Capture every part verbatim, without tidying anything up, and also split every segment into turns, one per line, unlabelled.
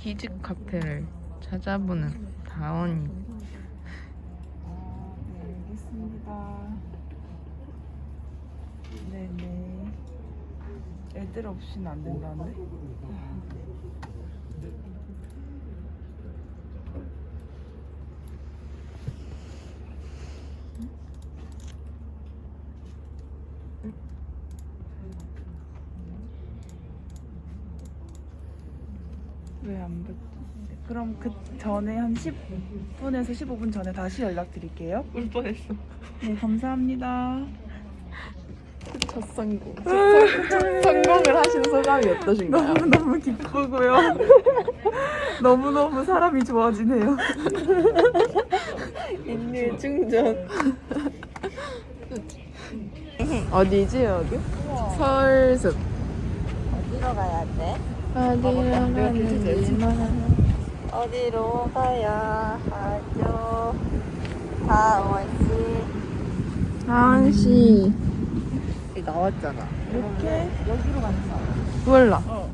키즈 카페를 찾아보는 다원이.
아, 네, 알겠습니다. 네네. 애들 없이는 안 된다는데? 왜 안 받지? 그럼 그 전에 한 십 분에서 십오 분 전에 다시 연락드릴게요.
울 뻔했어.
네, 감사합니다.
첫 성공. 첫 성공을 하신 소감이 어떠신가요?
너무너무 기쁘고요. 너무너무 사람이 좋아지네요.
인류 충전. 어디지 여기? 서울숲.
어디로 가야 돼?
어디로 가는지만.
어디로 가야 하죠? 다원씨
다원씨.
나왔잖아.
이렇게
여기로 간다.
몰라.
어.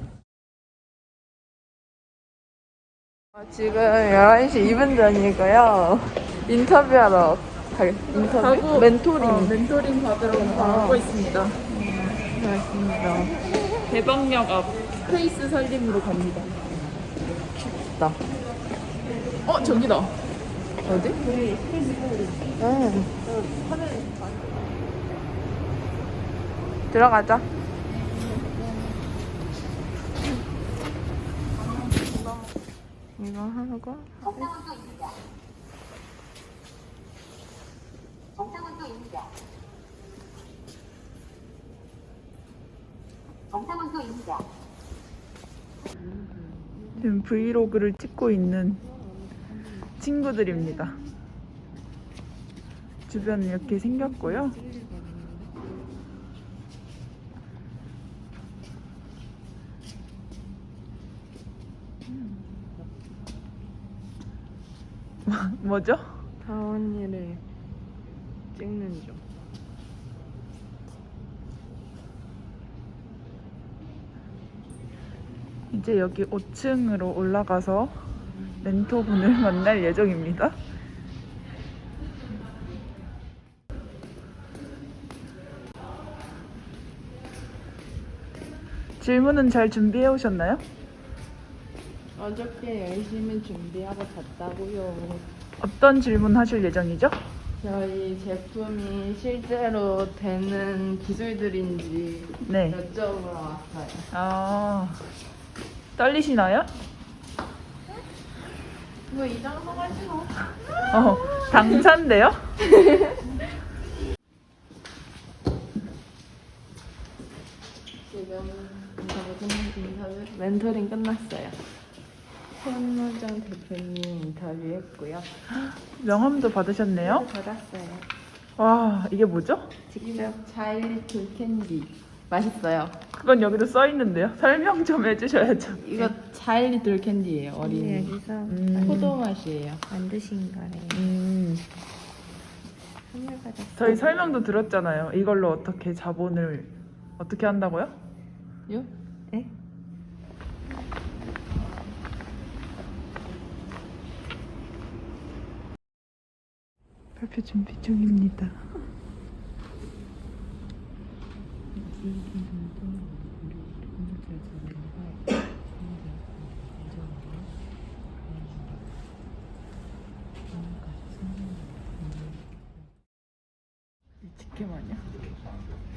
지금 열한 시 이 분 전이고요. 인터뷰하러 갈, 인터뷰?
가고,
멘토링.
어, 멘토링 받으러 가고 있습니다.
고맙습니다.
대방역 앞 스페이스 살림으로 갑니다.
나.
어, 저기다.
어디? 응. 들어가자. 이거 하고.
정상원소입니다. 정상원소입니다.
지금 브이로그를 찍고 있는 친구들입니다. 주변 이렇게 생겼고요. 뭐죠?
다원이를 찍는 중.
이제 여기 오 층으로 올라가서 멘토분을 만날 예정입니다. 질문은 잘 준비해 오셨나요?
어저께 열심히 준비하고 잤다고요.
어떤 질문 하실 예정이죠?
저희 제품이 실제로 되는 기술들인지
네.
여쭤보러 왔어요.
아, 떨리시나요?
뭐 이 정도까지 뭐.
어, 당찬데요?
지금 인터뷰, 인터뷰 멘토링 끝났어요. 손노정 대표님 인터뷰했고요.
명함도 받으셨네요?
받았어요.
와, 이게 뭐죠?
직접 자일리 돌캔디 맛있어요.
그건 여기도 써 있는데요. 설명 좀 해주셔야죠.
이거 자일리 돌캔디예요. 어린이.
여기서
음.
포도 맛이에요.
만드신 거래요.
음,
선물 받았어요.
저희 설명도 들었잖아요. 이걸로 어떻게 자본을 어떻게 한다고요?
요?
네?
발표 준비 중입니다. 직캠 아니야?